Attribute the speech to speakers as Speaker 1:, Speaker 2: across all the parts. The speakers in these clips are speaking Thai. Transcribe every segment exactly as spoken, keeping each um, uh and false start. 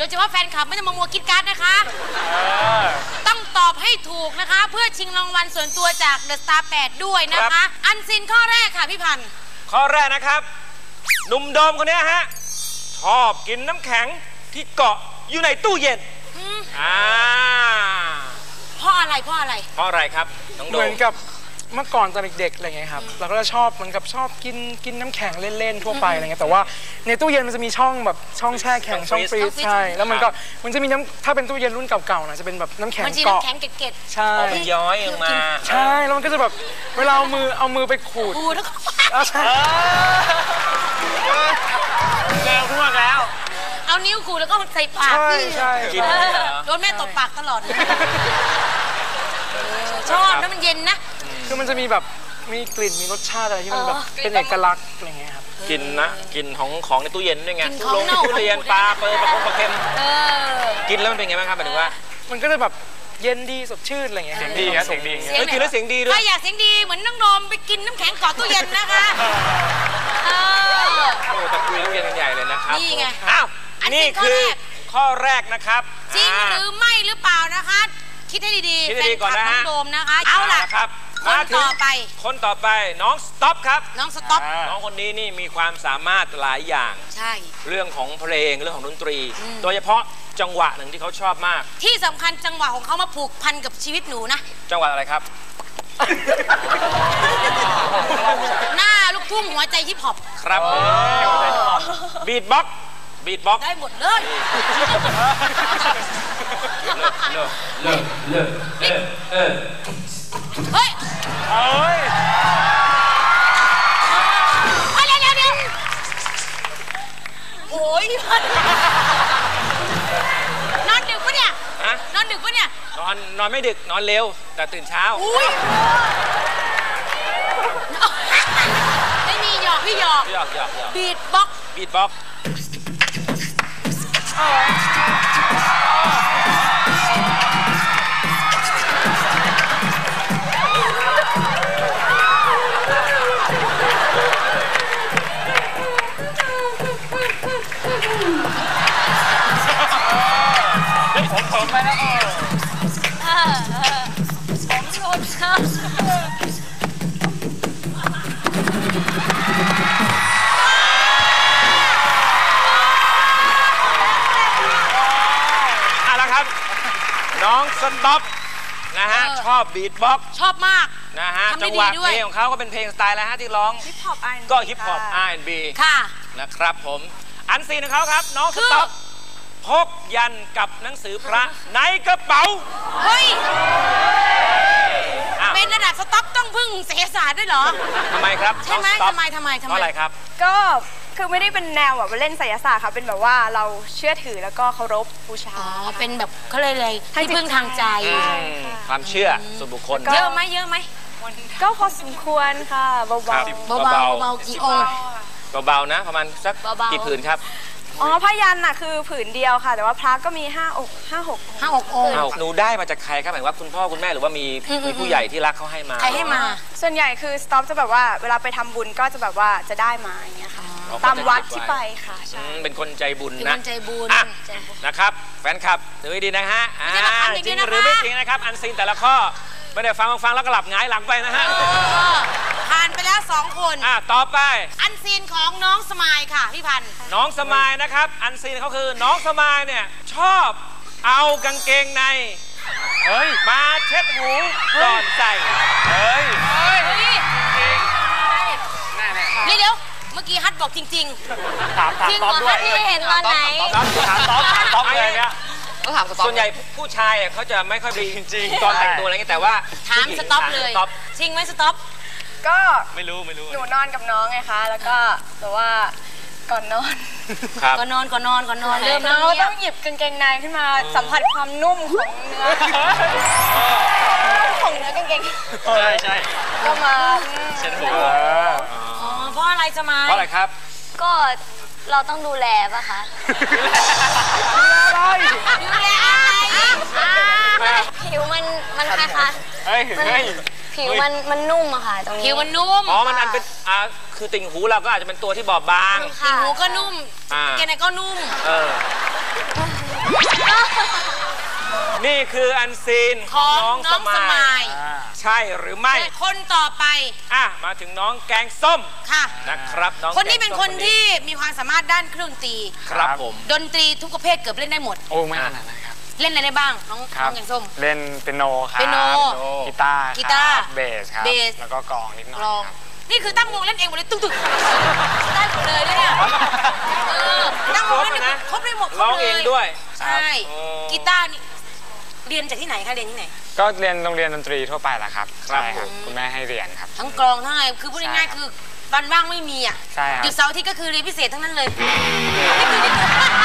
Speaker 1: เฉพาะแฟนคลับไม่ต้องมามัวคิดการ์ดนะคะต้องตอบให้ถูกนะคะเพื่อชิงรางวัลส่วนตัวจากเดอะสตาร์แปดด้วยนะคะอันซินข้อแรกค่ะพี่พันธ์
Speaker 2: ข้อแรกนะครับหนุ่มโดมคนนี้ฮะชอบกินน้ำแข็งที่เกาะอยู่ในตู้เย็นอ่า
Speaker 1: เพราะอะไรเพราะอะไร
Speaker 2: เพราะอะไรครับน้องโดม
Speaker 3: เหมือนกับเมื่อก่อนตอนเด็กๆอะไรเงี้ยครับเราก็จะชอบเหมือนกับชอบกินกินน้ำแข็งเล่นๆทั่วไปอะไรเงี้ยแต่ว่าในตู้เย็นมันจะมีช่องแบบช่องแช่แข็งช่องฟรีซใช่แล้วมันก็มันจะมีน้ำถ้าเป็นตู้เย็นรุ่นเก่าๆนะจะเป็นแบบน้ำแข็ง
Speaker 1: เกาะน้ำแข็งเกล็ด
Speaker 3: ใช่
Speaker 2: มันย้อยลงมา
Speaker 3: ใช่แล้วมันก็จะแบบเวลาเอามือเอามือไปขูด
Speaker 1: ขูดแล้วก็
Speaker 3: ใช่
Speaker 2: แก้วพวกแล้ว
Speaker 1: เอานิ้วขูดแล้วก็ใส่ปาก
Speaker 3: ใช่
Speaker 2: กิน
Speaker 1: โดนแม่ตบปากตลอดชอบแล้วมันเย็นนะ
Speaker 3: คือมันจะมีแบบมีกลิ่นมีรสชาติอะไรที่มันแบบเป็นเอกลักษณ์อะไรเงี้ยครับ
Speaker 2: กินนะกินของของในตู้เย็นด้วยไงลงทุเรียนปลาเปิดปลาปลาเค็มกินแล้วมันเป็นไงบ้างครับหมายถึงว่า
Speaker 3: มันก็จะแบบเย็นดีสดชื่นอะไรเงี้ย
Speaker 2: เสียงดีครับเสียงดีเฮ้ยกินแล้วเสียงดีด้วย
Speaker 1: ถ้าอยากเสียงดีเหมือนน้องโดมไปกินน้ำแข็งเกาะตู้เย็นนะคะ
Speaker 2: โอ้ตะกุยตู้เย็นกันใหญ่เลยนะครับ
Speaker 1: นี่ไง
Speaker 2: อ้าวนี่คือข้อแรกนะครับ
Speaker 1: จริงหรือไม่หรือเปล่านะคะคิดให้ดีๆ
Speaker 2: คิดให้ดีก่อนนะฮะ
Speaker 1: น้องโดมนะคะเอาล่ะคนต่อไป
Speaker 2: คนต่อไปน้องสต็อปครับ
Speaker 1: น้องสต็อป
Speaker 2: น้องคนนี้นี่มีความสามารถหลายอย่าง
Speaker 1: ใช่
Speaker 2: เรื่องของเพลงเรื่องของดนตรีโดยเฉพาะจังหวะหนึ่งที่เขาชอบมาก
Speaker 1: ที่สำคัญจังหวะของเขามาผูกพันกับชีวิตหนูนะ
Speaker 2: จังหวะอะไรครับ
Speaker 1: หน้าลูกทุ่งหัวใจฮิปฮอป
Speaker 2: ครับบีทบ็อกบีทบ็อก
Speaker 1: ได้หมดเลย
Speaker 2: เลิกเลิกเลิกเลิกเออ
Speaker 1: เฮ้ย
Speaker 2: เฮ้ย
Speaker 1: เดี๋ยวเดี๋ยวเดี๋ยวโอ้ยนอนดึกปะเนี่ยนอนดึกปะเนี่ย
Speaker 2: นอนนอนไม่ดึกนอนเร็วแต่ตื่นเช้า
Speaker 1: อุ้ยไม่มีหยอกพี่หยอก
Speaker 2: หยอกหยอก
Speaker 1: บีทบ็อก
Speaker 2: บีทบ็อกผมไปแล้ว
Speaker 1: ผมโดนครับ
Speaker 2: เอาละครับน้องสต็อปนะฮะชอบบีทบ็อก
Speaker 1: ชอบมาก
Speaker 2: นะฮะจังหวะเพลงของเขาก็เป็นเพลงสไตล์อะไรฮะที่ร้อง
Speaker 4: ฮิปฮอป อาร์ แอนด์ บี
Speaker 2: ก็ฮิปฮอป อาร์ แอนด์ บี
Speaker 1: ค่ะ
Speaker 2: นะครับผมอันซีนของเขาครับน้องสต็อปพกยันกับหนังสือพระในกระเป๋า
Speaker 1: เฮ้ยเป็นระดับสต็อปต้องพึ่งเศรษฐศาสตร์ด้วยเหรอ
Speaker 2: ทำไมครับ
Speaker 1: ใช่ไหมทำไมทำไมทำไม
Speaker 2: เพราะอะไรครับ
Speaker 4: ก็คือไม่ได้เป็นแนวแบบเล่นไสยศาสตร์ค่ะเป็นแบบว่าเราเชื่อถือแล้วก็เคารพบูชา
Speaker 1: อ๋อเป็นแบบเขาเลยเลยที่พึ่งทางใจ
Speaker 2: ความเชื่อส่วนบุคคล
Speaker 1: เยอะไหมเยอะไหม
Speaker 4: ก็พอสมควรค่ะเบาๆ
Speaker 1: เบาๆเบาๆกี่องค์
Speaker 2: เบาๆนะประมาณสักกี่ผืนครับ
Speaker 4: อ๋อพยัญชนะคือผืนเดียวค่ะแต่ว่าพระก็มีห้าอกห้าหก
Speaker 1: ห้าหกองค์
Speaker 2: หนูได้มาจากใครครับหมายว่าคุณพ่อคุณแม่หรือว่ามีมีผู้ใหญ่ที่รักเขาให้มา
Speaker 1: ใครให้มา
Speaker 4: ส่วนใหญ่คือสต็อปจะแบบว่าเวลาไปทำบุญก็จะแบบว่าจะได้มาอย่างเงี้ยค่ะตามวัดที่ไปค่ะใช่
Speaker 2: เป็นคนใจบุญนะ
Speaker 1: เป็นคนใจบุญ
Speaker 2: นะครับแฟนคลับดูให้ดีนะฮะจริงหรือไม่จริงนะครับอันซีนแต่ละข้อไม่ได้ฟังฟังแล้วก็หลับหงายหลังไปนะฮะ
Speaker 1: ผ่านไปแล้วสองคน
Speaker 2: อ่ะต่อไป
Speaker 1: อันซีนของน้องสมายค่ะพี่พันธ์
Speaker 2: น้องสมายนะครับอันซีนเขาคือน้องสมายเนี่ยชอบเอากางเกงในเฮ้ยมาเช็ดหูก่อนใส่เฮ้ยเฮ้ย
Speaker 1: เดี๋ยวเดี๋ยวเมื่อกี้ฮัทบอกจริง
Speaker 2: ๆถามถามตอบด้วย
Speaker 1: ที่เห็นตอนไหน
Speaker 2: ถามตอบถามตอบอะไรเนี่ยส่วนใหญ่ผู้ชายเขาจะไม่ค่อยดีจริงๆตอนแต่งตัวอะไรเงี้ยแต่ว่า
Speaker 1: ถามสต็อปเลยจริงไหมสต็อป
Speaker 4: ก็
Speaker 2: ไม่รู้ไม่รู้
Speaker 4: หนูนอนกับน้องไงคะแล้วก็แต่ว่าก่อนนอน
Speaker 1: ก่อนนอนก่อนนอนก่อนนอน
Speaker 4: เริ่มแล้วต้องหยิบกางเกงในขึ้นมาสัมผัสความนุ่มของเนื้อของเนื้อกางเกง
Speaker 2: ใช่ใช่
Speaker 4: ก็มา
Speaker 2: เช็ดหัว
Speaker 1: อ๋อเพราะอะไรจะมา
Speaker 2: เพราะอะไรครับ
Speaker 4: ก็เราต้องดูแลป่ะคะ
Speaker 1: ดูแลอะไร
Speaker 4: ผิวมันมันคล้าย
Speaker 2: ๆเฮ้ยเฮ้ย
Speaker 4: ผิวมันมันนุ่มอะค่ะตรงนี้
Speaker 1: ผิวมันนุ่ม
Speaker 2: อ๋อมันอันเป็นอ่าคือติ่งหูเราก็อาจจะเป็นตัวที่บอบบาง
Speaker 1: ติ่งหูก็นุ่มแกไหนก็นุ่ม
Speaker 2: เออนี่คืออันซีน
Speaker 1: ข
Speaker 2: ขอ
Speaker 1: อง ง
Speaker 2: น้อง
Speaker 1: น้
Speaker 2: ส
Speaker 1: องส
Speaker 2: มาม
Speaker 1: าย ย
Speaker 2: ใช่หรือไม่
Speaker 1: คนต่อไป
Speaker 2: อ่ะมาถึงน้องแกงส้ม
Speaker 1: ค่ะ
Speaker 2: นะครับน้อง
Speaker 1: คนนี้เป็น
Speaker 2: แกง
Speaker 1: ค
Speaker 2: ส้
Speaker 1: น
Speaker 2: ม
Speaker 1: ที่มีความสามารถด้านเครื่องดนตรี
Speaker 2: ครับผม
Speaker 1: ดนตรีทุกประเภทเกือบเล่นได้หมด
Speaker 3: โอ้ไม่ขนาดนั้นครับ
Speaker 1: เล่นอะไรได้บ้างน้อง
Speaker 3: ครั
Speaker 1: น้
Speaker 3: บ
Speaker 1: องแกงส้ม
Speaker 3: เล่นเปียโนครับ
Speaker 1: เปียโน
Speaker 3: กีตาร์
Speaker 1: กีตาร์
Speaker 3: ครับเบสครับ
Speaker 1: เบส
Speaker 3: แล้วก็กลองนิดหน่อย
Speaker 1: กลอง
Speaker 3: ครับ
Speaker 1: นี่คือตั้งวงเล่นเองหมดเลยตึ้งตึ้งได้หมดเลยนะเนี่ยเออตั้งวงเล่นเองครบได้หมดครบ
Speaker 2: ร้อง
Speaker 1: เล
Speaker 2: เอง
Speaker 1: ย
Speaker 2: ด้วย
Speaker 1: ใช่
Speaker 2: อ๋อ
Speaker 1: กีตาร์นี่เรียนจากที่ไหนคะเรียนที่ไหน
Speaker 3: ก็เรียนโรงเรียนดนตรีทั่วไปแหละครับ
Speaker 2: ครับ
Speaker 3: ใช่ครับ
Speaker 2: ผม
Speaker 3: คุณแม่ให้เรียนครับ
Speaker 1: ทั้งกลองทั้งอะไรคือพูดง่ายๆคือวันว่างไม่มีอ่ะ
Speaker 3: ใช่ครับ
Speaker 1: หยุดเสาร์อาทิตย์ก็คือเรียนพิเศษทั้งนั้นเลยนี่คือนี่คือ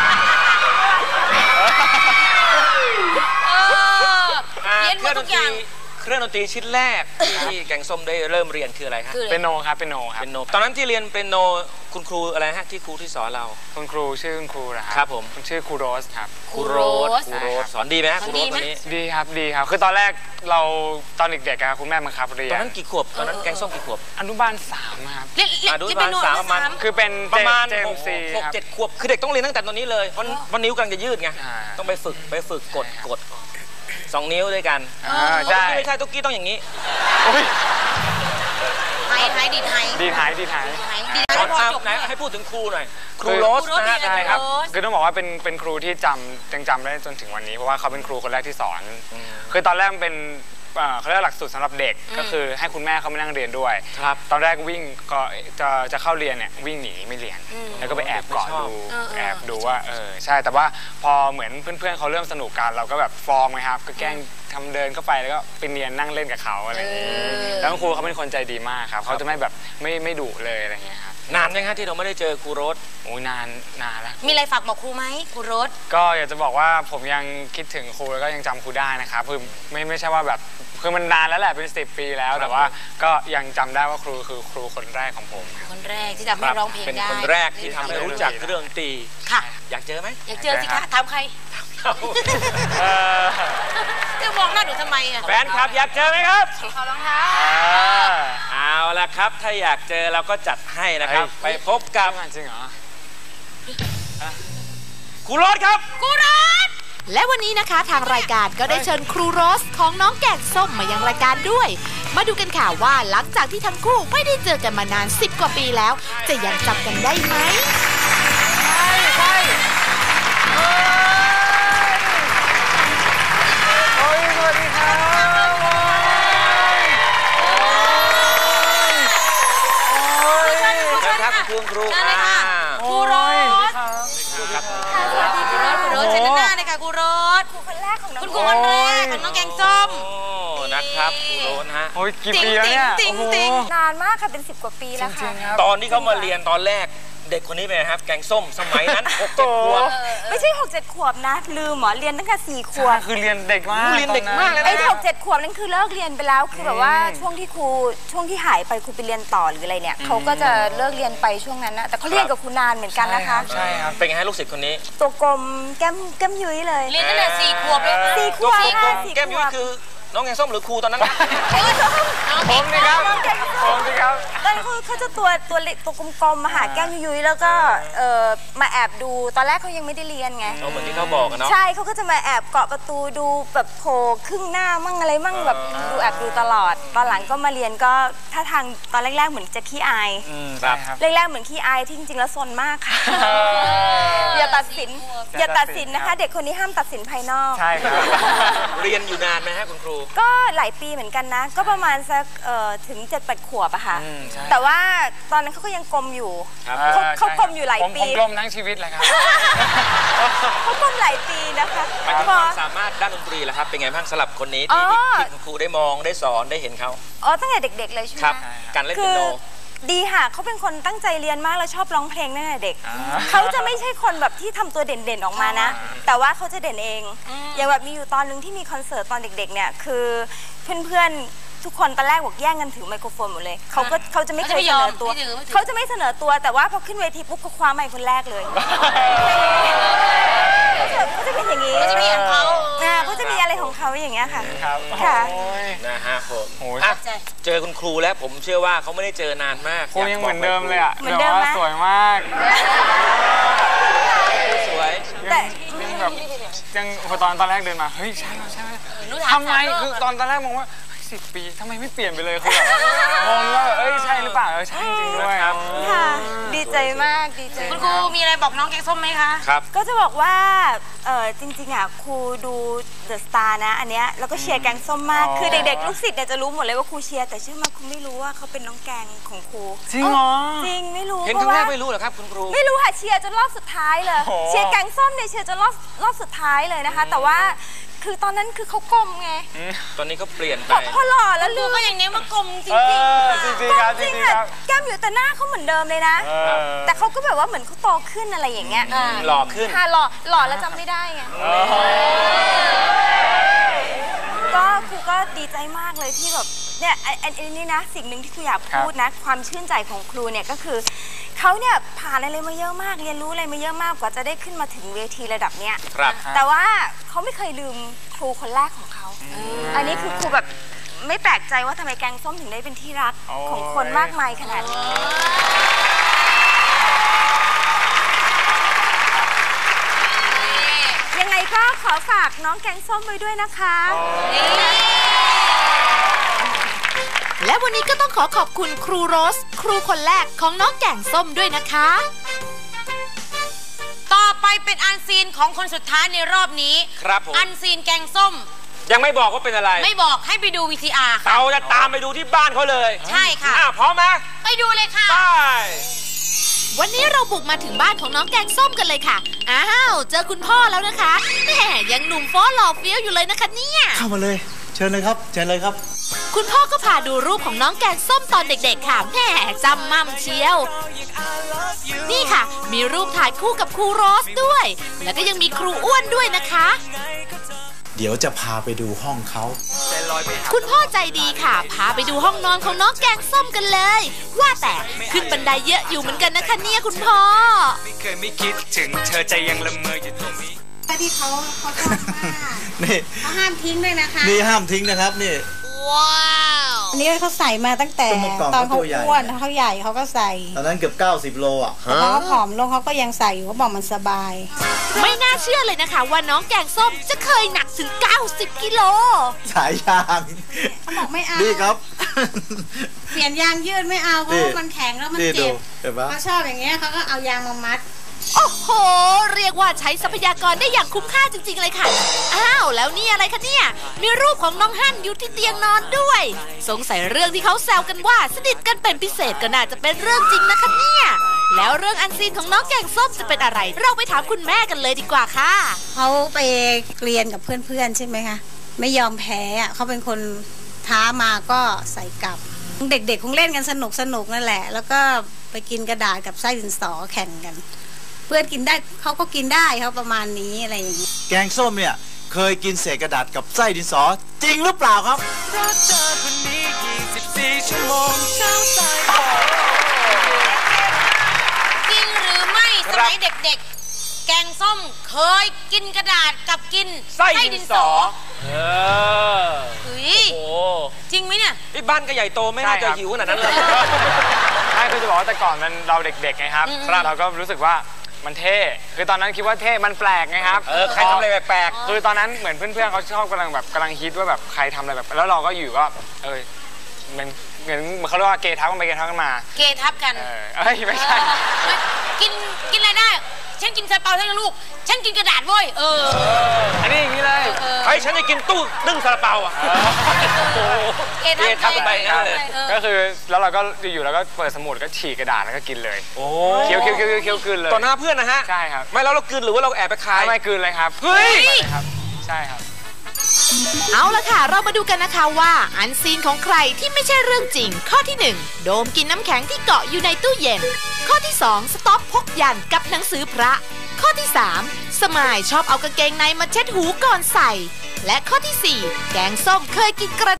Speaker 1: เออ
Speaker 2: อ่ะ
Speaker 1: เรียนห
Speaker 2: เค
Speaker 1: ม
Speaker 2: รื่อ
Speaker 1: ด
Speaker 2: งด
Speaker 1: ทุ
Speaker 2: น
Speaker 1: ก
Speaker 2: ต
Speaker 1: อ
Speaker 2: รี
Speaker 1: ย่าง
Speaker 2: เครื่องดนตรีชิ้นแรกที่ที่แกงส้มได้เริ่มเรียนคืออะไรฮะ
Speaker 1: คืออะไร
Speaker 3: เปียโนครับเปียโนครับ
Speaker 2: เป็นโนตอนนั้นที่เรียนเป็นโนคุณครูอะไรฮะที่ครูที่สอนเรา
Speaker 3: คุณครูชื่อคุณครูนะครั
Speaker 2: ครับผม
Speaker 3: คุณชื่อครูโรสครับ
Speaker 1: ครูโรส
Speaker 2: ครูโรสสอนดีไหมฮะ
Speaker 1: ส
Speaker 2: ค
Speaker 1: อน
Speaker 2: รูโร
Speaker 1: ดี
Speaker 2: ส
Speaker 1: ไหม
Speaker 2: คนนี้
Speaker 3: ดีครับดีครับ คือตอนแรกเราตอนเด็กๆอะคุณแม่บังคับเรีย
Speaker 2: ตอน
Speaker 3: น
Speaker 2: นั้นกี่ขวบตอนนั้นแกงส้มกี่ขวบ
Speaker 3: อนุบาลสามครับ
Speaker 1: เรียนเรียน
Speaker 2: อ่ะดู
Speaker 1: จะเป็นโน
Speaker 2: ประมาณ
Speaker 1: ด
Speaker 2: สาม
Speaker 1: สาม
Speaker 3: คือเป็น
Speaker 2: ประมาณ
Speaker 3: เจ
Speaker 2: ห
Speaker 3: ม
Speaker 2: ก
Speaker 3: ซี
Speaker 2: หก
Speaker 3: ครับ
Speaker 2: เจ็ดขวบคือเด็กต้องเรียนตั้งแต่ตอนนี้เลยเพราะเพราะนิ้วกำลังจะยืดไง
Speaker 3: อ่า
Speaker 2: ต้องไปฝึกไปฝึกกดกดสองนิ้วด้วยกัน
Speaker 3: อ่าใช่
Speaker 2: ไม่ใช่ตุ๊กกี้ต้องอย่างนี้
Speaker 3: อุ๊ย
Speaker 1: ไฮไฮดีดไฮ
Speaker 3: ดีหายดีหาย
Speaker 1: ไฮดีด
Speaker 2: ส
Speaker 1: ไฮ
Speaker 2: อน
Speaker 1: พอ
Speaker 2: อ่ะ
Speaker 1: จบ
Speaker 2: ไหน
Speaker 1: ด้วย
Speaker 2: ให้พูดถึงครูหน่อยครู
Speaker 3: คือ
Speaker 2: โรส
Speaker 1: ครูโรส
Speaker 2: นะฮะ
Speaker 1: มีอะไร
Speaker 3: ใช่ครับ
Speaker 1: โรส
Speaker 3: คือต้องบอกว่าเป็นเป็นครูที่จำยังจำได้จนถึงวันนี้เพราะว่าเขาเป็นครูคนแรกที่สอน คือตอนแรกมันเป็นเอ่อเขาเรียกหลักสูตรสำหรับเด็กก็คือให้คุณแม่เขามานั่งเรียนด้วย
Speaker 2: ครับ
Speaker 3: ตอนแรกวิ่งก็จะจะเข้าเรียนเนี่ยวิ่งหนีไม่เรียน แล้วก็ไปแอบเกาะดู
Speaker 1: เออเออ
Speaker 3: แอบดูว่าเออใช่แต่ว่าพอเหมือนเพื่อนๆเขาเริ่มสนุกกันเราก็แบบฟอร์มไงครับก็แกล้งทำเดินเข้าไปแล้วก็ไปเนียนนั่งเล่นกับเขาอะไรอย่างนี้แล้วคุณครูเขาเป็นคนใจดีมากครับเขาจะไม่แบบไม่ไม่ดุเลยอะไรอย่างเงี้ยครับ
Speaker 2: นานยังฮะที่เราไม่ได้เจอครูโรส
Speaker 3: โอ้ยนานนานแล้ว
Speaker 1: มีอะไรฝากบอกครูไหมครูโรส
Speaker 3: ก็อยากจะบอกว่าผมยังคิดถึงครูแล้วก็ยังจำครูได้นะครับคือไม่ไม่ใช่ว่าแบบคือมันนานแล้วแหละเป็นสิบปีแล้ว แต่ว่าก็ยังจำได้ว่าครูคือครูคนแรกของผมครับ
Speaker 1: คนแรกที่ทำให้ร้องเพลง
Speaker 2: เป็น
Speaker 1: ได้
Speaker 2: คนแรกที่ทำให้รู้จักเรื่องดนตรี
Speaker 1: ค่ะ
Speaker 2: อยากเจอไหม
Speaker 1: อยากเจอสิคะถามใคร
Speaker 3: เออ
Speaker 1: จะมองหน้าหนูทำไมอ่ะ
Speaker 2: แฟนคลับอยากเจอไหมครับ
Speaker 1: ขอรองเท้า
Speaker 2: เอาละครับ ถ้าอยากเจอเราก็จัดให้นะครับ ไปพบกับ
Speaker 3: จริงเหรอ
Speaker 2: ครูโรสครับ
Speaker 1: ครูโรส
Speaker 5: และวันนี้นะคะทางรายการก็ได้เชิญครูโรสของน้องแกงส้มมายังรายการด้วย มาดูกันค่ะว่าหลังจากที่ทั้งคู่ไม่ได้เจอกันมานานสิบกว่าปีแล้ว จะยังจำกันได้ไหม
Speaker 3: โอ้ยสวัสดีครับโอ้ย
Speaker 2: เชิญครับคุณครู
Speaker 1: เชิญเลยค่ะ
Speaker 2: อ่า
Speaker 1: ครูโรส
Speaker 2: ครับ
Speaker 1: สวัสดีครูโรสครูโรสเชิญด้านหน้าเลยค่ะครูโรส
Speaker 4: ครูคนแรกของน้อง
Speaker 1: คุณครูคนแรกของน้องแกงส้ม
Speaker 2: โอ้นะครับครูโรสฮะ
Speaker 3: โอ้ยกี่ปีแล้วเนี่ย
Speaker 1: ติ๊ง
Speaker 3: โอ้โห
Speaker 1: ติ๊ง
Speaker 4: นานมากค่ะเป็นสิบกว่าปีแล้วค่ะ
Speaker 2: ตอนที่เขามาเรียนตอนแรกเด็กคนนี้เป็นไงครับ แกงส้มสมัยนั้นหกเจ็ดขวบ
Speaker 4: ไม่ใช่หกเจ็ดขวบนะ ลืมเหรอเรียนตั้งแต่สี่ขวบ
Speaker 3: คือเรียนเด็กมาก
Speaker 2: เรียนเด็กมากเลย
Speaker 4: ไอ้หกเจ็ดขวบนั่นคือเลิกเรียนไปแล้วคือแบบว่าช่วงที่ครูช่วงที่หายไปครูไปเรียนต่อหรืออะไรเนี่ยเขาก็จะเลิกเรียนไปช่วงนั้นนะแต่เขาเรียนกับครูนานเหมือนกันนะคะ
Speaker 3: ใช่ครับ
Speaker 2: เป็นไงฮะลูกศิษย์คนนี้
Speaker 4: ตัวกลมแก้มแก้มยุ้ยเลย
Speaker 1: เรียนตั้งแต่สี่ขวบเลย
Speaker 4: สี่ขวบ
Speaker 2: ตัว
Speaker 4: ค่ะ
Speaker 2: กลม
Speaker 4: สี่
Speaker 2: แก้ม
Speaker 4: ข
Speaker 2: ยุ้
Speaker 4: วย บ
Speaker 2: คือน้องแกงส้มหรือครูตอนนั้นนะ
Speaker 3: ผมสิครับผมสิครับ
Speaker 4: ตอนเขาเขาจะตัวตัวเล็กตัวกลมๆมาหาแก้มยุ้ยๆแล้วก็เออมาแอบดูตอนแรกเขายังไม่ได้เรียนไง
Speaker 2: เอาเหมือนที่เขาบอกกันเนาะ
Speaker 4: ใช่เขาก็จะมาแอบเกาะประตูดูแบบโผล่ครึ่งหน้ามั่งอะไรมั่งแบบดูแอบดูตลอด ตอนหลังก็มาเรียนก็ท่าทางตอนแรกๆเหมือนจะขี้อาย
Speaker 2: ครับ
Speaker 4: แรกๆเหมือนขี้อายที่จริงๆแล้วซนมากค่ะ อย่าตัดสินอย่าตัดสินนะคะ เด็กคนนี้ห้ามตัดสินภายนอก
Speaker 3: ใช่ครับ
Speaker 2: เรียนอยู่นานไหมฮะคุณครู
Speaker 4: ก็หลายปีเหมือนกันนะ ก็ประมาณสักเอ่อถึงเจ็ดแปดขวบอะค่ะ
Speaker 3: อืมใช่
Speaker 4: แต่ว่าตอนนั้นเขาก็ยังกลมอยู่
Speaker 2: ครับ
Speaker 4: เขาเขากลมอยู่หลาย
Speaker 3: ผม
Speaker 4: ปี
Speaker 3: ผมกลมทั้งชีวิตเลยครับ
Speaker 4: เขากลมหลายปีนะคะ
Speaker 2: หมายถึง
Speaker 4: พ
Speaker 2: ค
Speaker 4: อ
Speaker 2: วามสามารถด้านดนตรีล่ะครับ เป็นไงบ้างสำหรับคนนี้
Speaker 4: อ๋
Speaker 2: ที่
Speaker 4: อ
Speaker 2: ที่คุณครูได้มองได้สอนได้เห็นเขา
Speaker 4: อ๋อตั้งแต่เด็กๆเลยใช่ไหม
Speaker 2: ครับ การเล่น
Speaker 4: คื
Speaker 2: เปีย
Speaker 4: อ
Speaker 2: โน
Speaker 4: ดีค่ะเขาเป็นคนตั้งใจเรียนมากแล้วชอบร้องเพลงตั้งแต่เด็ก
Speaker 3: อ่า
Speaker 4: เขาจะไม่ใช่คนแบบที่ทำตัวเด่นๆออกมานะ แต่ว่าเขาจะเด่นเอง อย่างแบบมีอยู่ตอนนึงที่มีคอนเสิร์ตตอนเด็กๆเนี่ยคือเพื่อนๆทุกคนตอนแรกบอกแย่งกันถือไมโครโฟนหมดเลยเขาก็เขาจะไม่เคยเสนอตัว
Speaker 1: ไม่ถือไม่ถือ
Speaker 4: เขาจะไม่เสนอตัวแต่ว่าพอขึ้นเวทีปุ๊บเขาคว้าไมค์คนแรกเลยเขาจะเขาจะเป็นอย่างนี้
Speaker 1: เขาจะมีของเขา
Speaker 4: อ่าเขาจะมีอะไรของเขาอย่างเงี้ยค่ะ
Speaker 3: ครับ
Speaker 4: ค่ะ
Speaker 3: โอ้ย
Speaker 2: นะฮะผม
Speaker 3: โอ้ย
Speaker 2: อ่ะเจอคุณครูแล้วผมเชื่อว่าเขาไม่ได้เจอนานมาก
Speaker 3: ครูยังเหมือนเดิมเลยอ่ะ
Speaker 4: เหมือนเดิมไหม
Speaker 3: แบบว่าสวยมาก
Speaker 2: สวย
Speaker 4: แต่
Speaker 3: ยังแบบยังตอนตอนแรกเดินมาเฮ้ยใช่ใช่ทำไมคือตอนตอนแรกมองว่าสิบปีทำไมไม่เปลี่ยนไปเลยคือแบบมองว่าเอ้ยใช่หรือเปล่าเออใช่จริงด้วยครับ
Speaker 4: ค่ะดีใจมากดีใจ
Speaker 1: คุณครูมีอะไรบอกน้องแกงส้มไหมคะ
Speaker 2: ครับ
Speaker 4: ก็จะบอกว่าเออจริงๆอ่ะครูดูเดอะสตาร์นะอันเนี้ยแล้วก็เชียร์แกงส้มมากคือเด็กๆลูกศิษย์เนี่ยจะรู้หมดเลยว่าครูเชียร์แต่เชื่อไหมครูไม่รู้ว่าเขาเป็นน้องแกงของครู
Speaker 3: จริงเหรอ
Speaker 4: จริงไม่รู้
Speaker 2: เห็นครั้งแรกไม่รู้เหรอครับคุณครู
Speaker 4: ไม่รู้ค่ะเชียร์จนรอบสุดท้ายเลยเชียร์แกงส้มเนี่ยเชียร์จนรอบรอบสุดท้ายเลยนะคะแต่ว่าคือตอนนั้นคือเขากลมไง
Speaker 2: ตอนนี้เขาเปลี่ยนไป
Speaker 4: พอหล่อแล้วลืม
Speaker 1: ก็อย่างนี้ว่ากลมจริง
Speaker 3: ๆจริงๆครับจริงๆครับ
Speaker 4: แก้มอยู่แต่หน้าเขาเหมือนเดิมเลยนะแต่เขาก็แบบว่าเหมือนเขาโตขึ้นอะไรอย่างเงี้ย
Speaker 2: หล่อขึ้น
Speaker 4: ค่ะหล่อหล่อแล้วจำไม่ได้ไงก็ครูก็ดีใจมากเลยที่แบบเนี่ยอันนี้นะสิ่งหนึ่งที่ครูอยากพูดนะความชื่นใจของครูเนี่ยก็คือเขาเนี่ยผ่านอะไรมาเยอะมากเรียนรู้อะไรมาเยอะมากกว่าจะได้ขึ้นมาถึงเวทีระดับเนี้ยแต่ว่าเขาไม่เคยลืมครูคนแรกของเขาอันนี้คือครูแบบไม่แปลกใจว่าทำไมแกงส้มถึงได้เป็นที่รักของคนมากมายขนาดนี้ยังไงก็ขอฝากน้องแกงส้มไว้ด้วยนะคะ
Speaker 5: และวันนี้ก็ต้องขอขอบคุณครูโรสครูคนแรกของน้องแกงส้มด้วยนะคะ
Speaker 1: ต่อไปเป็นอันซีนของคนสุดท้ายในรอบนี้
Speaker 2: ครับผม
Speaker 1: อันซีนแกงส้ม
Speaker 2: ยังไม่บอกว่าเป็นอะไร
Speaker 1: ไม่บอกให้ไปดู วี ที อาร์ ค่ะ
Speaker 2: เราจะตามไปดูที่บ้านเขาเลย
Speaker 1: ใช่ค่ะ
Speaker 2: พร้อมไหม
Speaker 1: ไปดูเลยค่ะ
Speaker 2: ไป
Speaker 5: วันนี้เราบุกมาถึงบ้านของน้องแกงส้มกันเลยค่ะอ้าวเจอคุณพ่อแล้วนะคะแหมยังหนุ่มฟ้อหล่อเฟี้ยวอยู่เลยนะคะเนี่ย
Speaker 6: เข้ามาเลยเชิญเลยครับเชิญเลยครับ
Speaker 5: คุณพ่อก็พาดูรูปของน้องแกงส้มตอนเด็กๆค่ะแหมจำมั่มเชียวนี่ค่ะมีรูปถ่ายคู่กับครูโรสด้วยแล้วก็ยังมีครูอ้วนด้วยนะคะ
Speaker 6: เดี๋ยวจะพาไปดูห้องเขา
Speaker 5: คุณพ่อใจดีค่ะพาไปดูห้องนอนของน้องแกงส้มกันเลยว่าแต่ขึ้นบันไดเยอะอยู่เหมือนกันนะคะเนี่ยคุณพ่อ
Speaker 7: ไม่เคยไม่คิดถึงเธอใจยังละเมออยู่ตรงนี้
Speaker 8: ที่เขาเขาชอบมากนี่เขาห้ามทิ้งด้วยนะคะ
Speaker 6: นี่ห้ามทิ้งนะครับนี่
Speaker 8: ว้าวอันนี้เขาใส่มาตั้งแต่ตอนเขาอ้วนเขาใหญ่เขาก็ใส่
Speaker 6: ตอนนั้นเกือบเก้าสิบโลอ่ะ
Speaker 8: พอเขาผอมลงเขาก็ยังใส่อยู่เขาบอกมันสบาย
Speaker 5: ไม่น่าเชื่อเลยนะคะว่าน้องแกงส้มจะเคยหนักถึงเก้าสิบกิโล
Speaker 6: สายยาง
Speaker 8: เขาบอกไม่เอา
Speaker 6: นี่ครับ
Speaker 8: เปลี่ยนยางยืดไม่เอาเพราะว่ามันแข็งแล้วมันเจ็บเขาชอบอย่างเงี้ยเขาก็เอายางมามัด
Speaker 5: โอ้โหเรียกว่าใช้ทรัพยากรได้อย่างคุ้มค่าจริงๆเลยค่ะอ้าวแล้วนี่อะไรคะเนี่ยมีรูปของน้องฮั่นอยู่ที่เตียงนอนด้วยสงสัยเรื่องที่เขาแซวกันว่าสนิทกันเป็นพิเศษก็น่าจะเป็นเรื่องจริงนะคะเนี่ยแล้วเรื่องอันซีนของน้องแกงส้มจะเป็นอะไรเราไปถามคุณแม่กันเลยดีกว่าค่ะ
Speaker 8: เขาไปเรียนกับเพื่อนๆใช่ไหมคะไม่ยอมแพ้เขาเป็นคนท้ามาก็ใส่กลับเด็กๆคงเล่นกันสนุกสนุกนั่นแหละแล้วก็ไปกินกระดาษกับไส้ดินสอแข่งกันเพื่อนกินได้เขาก็กินได้เขาประมาณนี้อะไรอย่างนี้
Speaker 6: แกงส้มเนี่ยเคยกินเศษกระดาษกับไส้ดินสอจริงหรือเปล่าครับ
Speaker 1: จริงหรือไม่สมัยเด็กๆแกงส้มเคยกินกระดาษกับกินไส้ดินสอเออเฮ้ยโอ้จริงไหมเนี่ย
Speaker 2: ไอ้บ้านก็ใหญ่โตไม่น่าจะหิวขนาดนั้นเลย
Speaker 3: ใช่คือจะบอกว่าแต่ก่อนมันเราเด็กๆไงครับเราก็รู้สึกว่ามันเท่คือตอนนั้นคิดว่าเท่มันแปลกไงครับ
Speaker 2: เออใครทำอะไรแปลก
Speaker 3: คือตอนนั้นเหมือนเพื่อนๆเขาชอบกำลังแบบกำลังฮิตว่าแบบใครทำอะไรแบบแล้วเราก็อยู่ก็เออเหมือนเหมือนเขาเรียกว่าเกทับกันไปเกทับกันมา
Speaker 1: เกทับกัน
Speaker 3: เออเอ้ยไม่ใช่
Speaker 1: กินกินอะไรได้ฉันกินซาเปาทั้งลูกฉันกินกระดาษเว้ยเออ
Speaker 3: อันนี้อย่างนี้เลย
Speaker 2: ไอ้ฉันจะกินตู้นึ่งซาเปาอ่ะ
Speaker 1: เกทับ
Speaker 2: กันไปเลย
Speaker 3: ก็คือแล้วเราก็อยู่ๆแล้วก็เปิดสมุดก็ฉีกกระดาษแล้วก็กินเลยโอ้เคี้ยวเคี้ยวเคี้ยวเคี้ยวกินเลย
Speaker 2: ต่อหน้าเพื่อนนะฮะ
Speaker 3: ใช่ครับ
Speaker 2: ไม่แล้วเรากินหรือว่าเราแอบไปขาย
Speaker 3: ไม่กินเลยครับ
Speaker 2: เฮ้ย
Speaker 3: ครับใช่ครับ
Speaker 5: เอาละค่ะเรามาดูกันนะคะว่าอันซีนของใครที่ไม่ใช่เรื่องจริงข้อที่หนึ่งโดมกินน้ำแข็งที่เกาะอยู่ในตู้เย็นข้อที่สองสต๊อปพกยันกับหนังสือพระข้อที่สามสมายชอบเอากางเกงในมาเช็ดหูก่อนใส่และข้อที่สี่แกงส้มเคยกินกระ